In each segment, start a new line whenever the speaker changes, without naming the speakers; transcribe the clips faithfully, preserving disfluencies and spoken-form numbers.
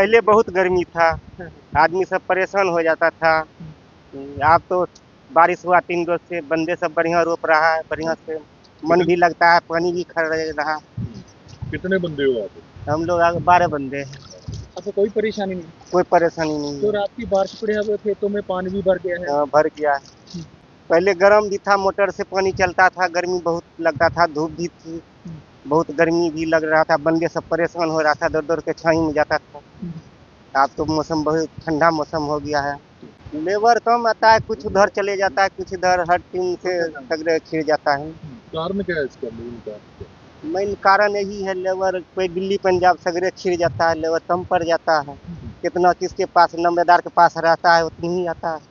पहले बहुत गर्मी था, आदमी सब परेशान हो जाता था। अब तो बारिश हुआ तीन रोज से, बंदे सब बढ़िया रोप रहा है, बढ़िया से मन भी लगता है, पानी भी खड़ रहा।
कितने बंदे हो आप?
हम लोग बारह बंदे हैं।
अच्छा, कोई परेशानी नहीं?
कोई परेशानी नहीं
तो
है।
रात की बारिश पड़े हुए खेतों में पानी भी भर गया है?
हाँ, भर गया है। पहले गर्म भी था, मोटर से पानी चलता था, गर्मी बहुत लगता था, धूप भी थी, बहुत गर्मी भी लग रहा था, बंदे सब परेशान हो रहा था, दौड़ दौड़ के छाई में जाता था। अब तो मौसम बहुत ठंडा मौसम हो गया है। लेबर कम आता है, कुछ उधर चले जाता है, कुछ इधर, हर टीम से सगरे खिर जाता है।
कारण क्या है इसका? मेन कारण क्या?
मेन कारण यही है, लेबर कोई दिल्ली पंजाब सगरे खिर जाता है, लेबर कम पड़ जाता है। कितना किसके पास नंबेदार के पास रहता है उतनी ही आता है।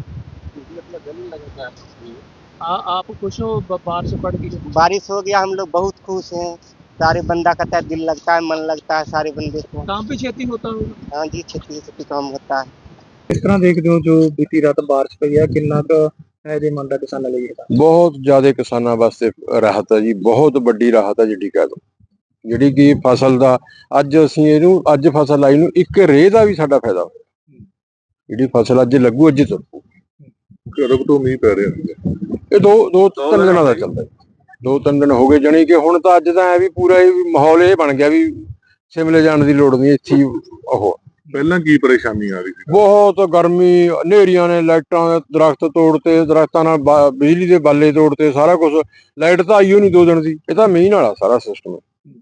आ, आप खुश हो ब- बारिश पड़ गई?
बारिश हो गया, हम लोग बहुत खुश हैं। सारे बंदा कहता है, दिल लगता है, मन लगता है सारे बंदे को।
काम पे खेती होता होगा?
हाँ जी, खेती खेती काम होता है।
किस तरह देखਦੇ ਹੋ ਜੋ ਬੀਤੀ ਰਾਤ ਬਾਰਿਸ਼ ਪਈ ਹੈ, ਕਿੰਨਾ ਕੁ ਫਾਇਦੇਮੰਦ ਹੈ ਕਿਸਾਨਾਂ ਲਈ ਇਹ?
ਬਹੁਤ ਜ਼ਿਆਦਾ ਕਿਸਾਨਾਂ ਵਾਸਤੇ ਰਾਹਤ ਹੈ ਜੀ, ਬਹੁਤ ਵੱਡੀ ਰਾਹਤ ਹੈ ਜਿਹੜੀ ਕਹਿ ਲਓ। ਜਿਹੜੀ ਕਿ ਫਸਲ ਦਾ ਅੱਜ ਅਸੀਂ ਇਹਨੂੰ ਅੱਜ ਫਸਲ ਲਾਈ ਨੂੰ ਇੱਕ ਰੇਹ ਦਾ ਵੀ ਸਾਡਾ ਫਾਇਦਾ ਹੋਇਆ। ਜਿਹੜੀ ਫਸਲ ਅੱਜ ਲੱਗੂ ਅੱਜ ਤੁਰਪੂ।
ਕਦੋਂ ਤੋਂ ਮੀਂਹ ਪੈ ਰਿਹਾ ਹੈ?
ਇਹ ਦੋ ਦੋ ਤਿੰਨ ਦਿਨਾਂ ਦਾ ਚੱਲਦਾ ਜੀ। ਦੋ ਤਿੰਨ ਦਿਨ ਹੋ ਗਏ, ਜਾਣੀ ਕਿ ਹੁਣ ਤਾਂ ਅੱਜ ਤਾਂ ਐ ਵੀ ਪੂਰਾ ਇਹ ਮਾਹੌਲ ਇਹ ਬਣ ਗਿਆ ਵੀ ਸ਼ਿਮਲੇ ਜਾਣ ਦੀ ਲੋੜ ਨਹੀਂ, ਇੱਥੇ ਹੀ ਉਹ।
ਪਹਿਲਾਂ ਕੀ ਪਰੇਸ਼ਾਨੀ ਆ ਰਹੀ ਸੀ?
ਬਹੁਤ ਗਰਮੀ, ਹਨੇਰੀਆਂ ਨੇ, ਲਾਈਟਾਂ ਦੇ ਦਰਖਤ ਤੋੜਤੇ, ਦਰਖਤਾਂ ਨਾਲ ਬਾ- ਬਿਜਲੀ ਦੇ ਬਾਲੇ ਤੋੜਤੇ, ਸਾਰਾ ਕੁਝ। ਲਾਈਟ ਤਾਂ ਆਈ ਓ ਨਹੀਂ ਦੋ ਦਿਨ ਦੀ। ਇਹ ਤਾਂ ਮੀਂਹ ਨਾਲ ਆ ਸਾਰਾ ਸਿਸਟਮ,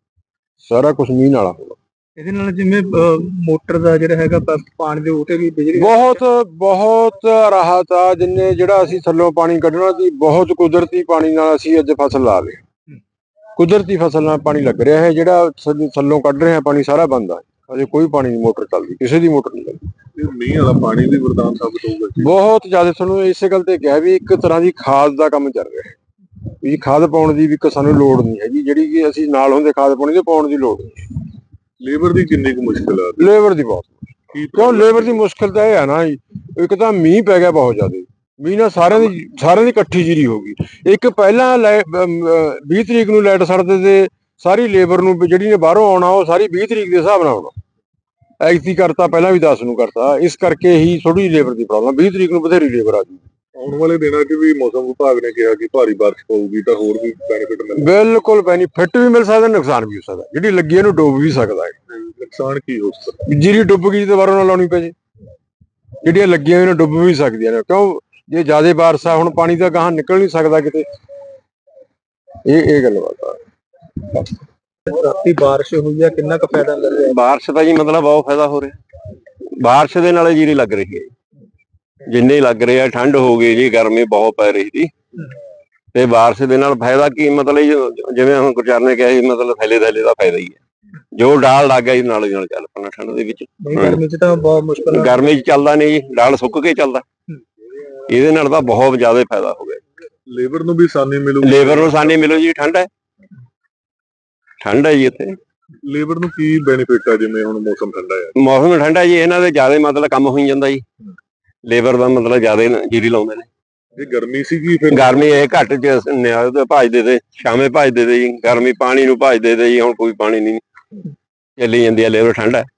ਸਾਰਾ ਕੁਝ ਮੀਂਹ ਨਾਲ ਹੋਣਾ।
ਇਹਦੇ ਨਾਲ ਜਿਵੇਂ ਮੋਟਰ ਦਾ ਜਿਹੜਾ ਹੈਗਾ ਪ- ਪਾਣੀ ਦੇ ਉਤੇ ਵੀ ਬਿਜਲੀ
ਬਹੁਤ ਬਹੁਤ ਰਾਹਤ ਆ। ਜਿੰਨੇ ਜਿਹੜਾ ਅਸੀਂ ਥੱਲੋਂ ਪਾਣੀ ਕੱਢਣਾ ਸੀ, ਬਹੁਤ ਕੁਦਰਤੀ ਪਾਣੀ ਨਾਲ ਅਸੀਂ ਅੱਜ ਫਸਲ ਲਾ ਲਈ। ਕੁਦਰਤੀ ਫਸਲ ਨਾਲ ਪਾਣੀ ਲੱਗ ਰਿਹਾ ਹੈ, ਜਿਹੜਾ ਥੱਲੋਂ ਥੱਲੋਂ ਕੱਢ ਰਹੇ ਆ ਪਾਣੀ ਸਾਰਾ ਬੰਦ ਆ। ਅਜੇ ਕੋਈ ਪਾਣੀ ਨਹੀਂ ਮੋਟਰ ਚੱਲਦੀ, ਕਿਸੇ ਦੀ ਮੋਟਰ ਨਹੀਂ ਚੱਲਦੀ।
ਇਹ ਮੀਂਹ ਵਾਲਾ ਪਾਣੀ ਵੀ ਵਰਦਾਨ ਸਾਬਤ ਹੋਊਗਾ ਜੀ।
ਬਹੁਤ ਜ਼ਿਆਦਾ। ਤੁਹਾਨੂੰ ਇਸੇ ਗੱਲ ਤੇ ਕਿਹਾ ਵੀ ਇੱਕ ਤਰ੍ਹਾਂ ਦੀ ਖਾਦ ਦਾ ਕੰਮ ਚੱਲ ਰਿਹਾ ਹੈ ਵੀ ਖਾਦ ਪਾਉਣ ਦੀ ਵੀ ਇੱਕ ਸਾਨੂੰ ਲੋੜ ਨਹੀਂ ਹੈਗੀ, ਜਿਹੜੀ ਕਿ ਅਸੀਂ ਨਾਲ ਹੁੰਦੇ ਖਾਦ ਪਾਉਣੀ ਤੇ ਪਾਉਣ ਦੀ ਲੋੜ ਨਹੀਂ।
ਲੇਬਰ ਦੀ ਕਿੰਨੀ ਕੁ ਮੁਸ਼ਕਿਲ ਆ?
ਲੇਬਰ ਦੀ ਬਹੁਤ
ਕੀ
ਕਿਉਂ ਲੇਬਰ ਦੀ ਮੁਸ਼ਕਿਲ ਤਾਂ ਇਹ ਹੈ ਨਾ ਜੀ, ਇੱਕ ਤਾਂ ਮੀਂਹ ਪੈ ਗਿਆ ਬਹੁਤ ਜ਼ਿਆਦਾ। ਮੀਂਹ ਨਾਲ ਸਾਰਿਆਂ ਦੀ ਸਾਰਿਆਂ ਦੀ ਇਕੱਠੀ ਜੀਰੀ ਹੋ ਗਈ। ਇੱਕ ਪਹਿਲਾਂ ਵੀਹ ਤਰੀਕ ਨੂੰ ਲਾਈਟ ਸੜਦੇ ਤੇ ਸਾਰੀ ਲੇਬਰ ਨੂੰ ਜਿਹੜੀ ਨੇ ਬਾਹਰੋਂ ਆਉਣਾ ਉਹ ਸਾਰੀ ਵੀਹ ਤਰੀਕ ਦੇ ਹਿਸਾਬ ਨਾਲ ਆਉਣਾ। ਐਕਤੀ ਕਰਤਾ, ਪਹਿਲਾਂ ਵੀ ਦਸ ਨੂੰ ਕਰਤਾ। ਇਸ ਕਰਕੇ ਹੀ ਥੋੜੀ ਲੇਬਰ ਦੀ ਪ੍ਰੋਬਲਮ। ਵੀਹ ਤਰੀਕ ਨੂੰ ਬਥੇਰੀ ਲੇਬਰ ਆ ਜੂ।
ਆਉਣ ਵਾਲੇ ਦਿਨਾਂ 'ਚ ਵੀ ਮੌਸਮ ਵਿਭਾਗ ਨੇ ਕਿਹਾ ਕਿ ਭਾਰੀ ਬਾਰਿਸ਼ ਪਊਗੀ ਤਾਂ ਹੋਰ ਵੀ ਬੈਨੀਫਿਟ ਮਿਲੇਗਾ।
ਬਿਲਕੁਲ ਬੈਨੀਫਿਟ ਵੀ ਮਿਲ ਸਕਦਾ, ਨੁਕਸਾਨ ਵੀ ਹੋ ਸਕਦਾ। ਜਿਹੜੀ ਲੱਗੀ ਇਹਨੂੰ ਡੁੱਬ ਵੀ ਸਕਦਾ ਹੈ।
ਨੁਕਸਾਨ ਕੀ ਹੋ ਸਕਦਾ?
ਜੀਰੀ ਡੁੱਬ ਗਈ ਤੇ ਦੁਬਾਰਾ ਨਾ ਲਾਉਣੀ ਪੈ ਜੇ। ਜਿਹੜੀਆਂ ਲੱਗੀਆਂ ਇਹਨਾਂ ਡੁੱਬ ਵੀ ਸਕਦੀਆਂ ਨੇ, ਕਿਉਂ ਜੇ ਜ਼ਿਆਦਾ ਬਾਰਿਸ਼ ਆ, ਹੁਣ ਪਾਣੀ ਤਾਂ ਗਾਹਾਂ ਨਿਕਲ ਨਹੀਂ ਸਕਦਾ ਕਿਤੇ। ਇਹ ਇਹ ਗੱਲਬਾਤ ਆ।
ਰਾਤੀ ਬਾਰਿਸ਼ ਹੋਈ ਹੈ, ਕਿੰਨਾ ਕੁ ਫਾਇਦਾ ਮਿਲ ਰਿਹਾ?
ਬਾਰਿਸ਼ ਦਾ ਜੀ ਮਤਲਬ ਬਹੁਤ ਫਾਇਦਾ ਹੋ ਰਿਹਾ। ਬਾਰਿਸ਼ ਦੇ ਨਾਲ ਜੀਰੀ ਲੱਗ ਰਹੀ ਹੈ, ਜਿੰਨੇ ਲੱਗ ਰਿਹਾ। ਠੰਡ ਹੋ ਗਈ ਜੀ, ਗਰਮੀ ਬਹੁਤ ਪੈ ਰਹੀ ਸੀ, ਤੇ ਬਾਰਿਸ਼ ਦੇ ਨਾਲ ਫਾਇਦਾ ਕੀ ਮਤਲਬ ਜਿਵੇਂ ਹੁਣ ਗੁਰਚਰਨ ਨੇ ਕਿਹਾ ਸੀ, ਮਤਲਬ ਥੈਲੇ ਥੈਲੇ ਦਾ ਫਾਇਦਾ ਹੀ ਹੈ। ਜੋ ਡਾਲ ਲੱਗ ਗਿਆ ਜੀ ਨਾਲ ਦੀ ਨਾਲ ਚੱਲ ਪੈਣਾ ਠੰਡ ਦੇ ਵਿੱਚ।
ਗਰਮੀ ਚ ਤਾਂ ਬਹੁਤ ਮੁਸ਼ਕਲ ਹੈ।
ਗਰਮੀ ਚ ਚੱਲਦਾ ਨਹੀਂ ਜੀ, ਡਾਲ ਸੁੱਕ ਕੇ ਚੱਲਦਾ। ਇਹਦੇ ਨਾਲ ਤਾਂ ਬਹੁਤ ਜ਼ਿਆਦਾ ਫਾਇਦਾ ਹੋ ਗਿਆ।
ਲੇਬਰ ਨੂੰ ਵੀ ਆਸਾਨੀ ਮਿਲੂਗੀ?
ਲੇਬਰ ਨੂੰ ਆਸਾਨੀ ਮਿਲੂ ਜੀ, ਠੰਡ ਹੈ, ਠੰਡ ਹੈ ਜੀ ਇੱਥੇ।
ਲੇਬਰ ਨੂੰ ਕੀ ਬੈਨੀਫਿਟ ਆ ਜਿਵੇਂ ਹੁਣ ਮੌਸਮ ਠੰਡਾ ਹੈ?
ਮੌਸਮ ਠੰਡਾ ਜੀ, ਇਹਨਾਂ ਦੇ ਜ਼ਿਆਦਾ ਮਤਲਬ ਕੰਮ ਹੋਈ ਜਾਂਦਾ ਜੀ। ਲੇਬਰ ਦਾ ਮਤਲਬ ਜ਼ਿਆਦਾ ਜੀਰੀ ਲਾਉਂਦੇ ਨੇ।
ਜੇ ਗਰਮੀ ਸੀਗੀ ਫਿਰ
ਗਰਮੀ ਇਹ ਘੱਟ ਚ ਨਿਆਲ ਤੇ ਭਜਦੇ ਤੇ ਸ਼ਾਮੇ ਭਜਦੇ ਤੇ ਜੀ, ਗਰਮੀ ਪਾਣੀ ਨੂੰ ਭਜਦੇ ਤੇ ਜੀ। ਹੁਣ ਕੋਈ ਪਾਣੀ ਨਹੀਂ, ਚੱਲੀ ਜਾਂਦੀ ਆ ਲੇਬਰ, ਠੰਡ ਹੈ।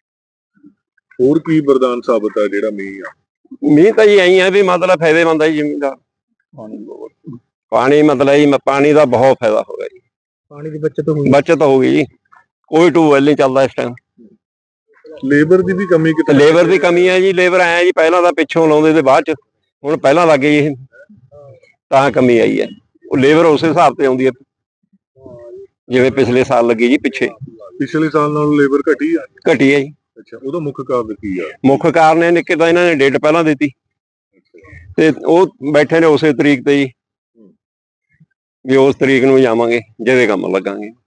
ਹੋਰ ਕੀ ਵਰਦਾਨ ਸਾਬਤ ਆ ਜਿਹੜਾ ਮੀਂਹ ਆ?
ਮੀਂਹ ਤਾਂ ਜੀ ਐਂ ਆ ਵੀ ਮਤਲਬ ਫਾਇਦੇਮੰਦ ਹੈ ਜੀ ਜ਼ਮੀਨਦਾਰ। ਪਾਣੀ ਮਤਲਬ ਜੀ ਪਾਣੀ ਦਾ ਬਹੁਤ ਫਾਇਦਾ ਹੋ ਗਿਆ ਜੀ।
ਪਾਣੀ ਦੀ ਬੱਚਤ ਹੋਈ।
ਬੱਚਤ ਹੋ ਗਈ ਜੀ, ਕੋਈ ਟਿਊਬਵੈਲ ਨਹੀਂ ਚੱਲਦਾ ਇਸ ਟਾਈਮ।
ਲੇਬਰ ਦੀ ਵੀ ਕਮੀ ਕਿਤੇ?
ਲੇਬਰ ਦੀ ਕਮੀ ਹੈ ਜੀ। ਲੇਬਰ ਆਇਆ ਜੀ, ਪਹਿਲਾਂ ਤਾਂ ਪਿੱਛੋਂ ਲਾਉਂਦੇ ਤੇ ਬਾਅਦ ਚ, ਹੁਣ ਪਹਿਲਾਂ ਲੱਗ ਗਈ ਇਹ, ਤਾਂ ਕਮੀ ਆਈ ਹੈ। ਉਹ ਲੇਬਰ ਉਸੇ ਹਿਸਾਬ ਤੇ ਆਉਂਦੀ ਹੈ ਜਿਵੇਂ ਪਿਛਲੇ ਸਾਲ ਲੱਗੀ ਜੀ ਪਿੱਛੇ।
ਪਿਛਲੇ ਸਾਲ ਨਾਲੋਂ ਲੇਬਰ ਘਟੀ ਆ?
ਘਟੀ ਹੈ ਜੀ।
ਅੱਛਾ, ਉਹਦਾ ਮੁੱਖ ਕਾਰਨ ਕੀ ਆ?
ਮੁੱਖ ਕਾਰਨ ਇਹ ਨਿੱਕੇ ਤਾਂ ਇਹਨਾਂ ਨੇ ਡੇਟ ਪਹਿਲਾਂ ਦਿੱਤੀ ਤੇ ਉਹ ਬੈਠੇ ਨੇ ਉਸੇ ਤਰੀਕ ਤੇ ਜੀ, ਵੀ ਉਸ ਤਰੀਕ ਨੂੰ ਜਾਵਾਂਗੇ ਜਿਹਦੇ ਕੰਮ ਲੱਗਾਂਗੇ।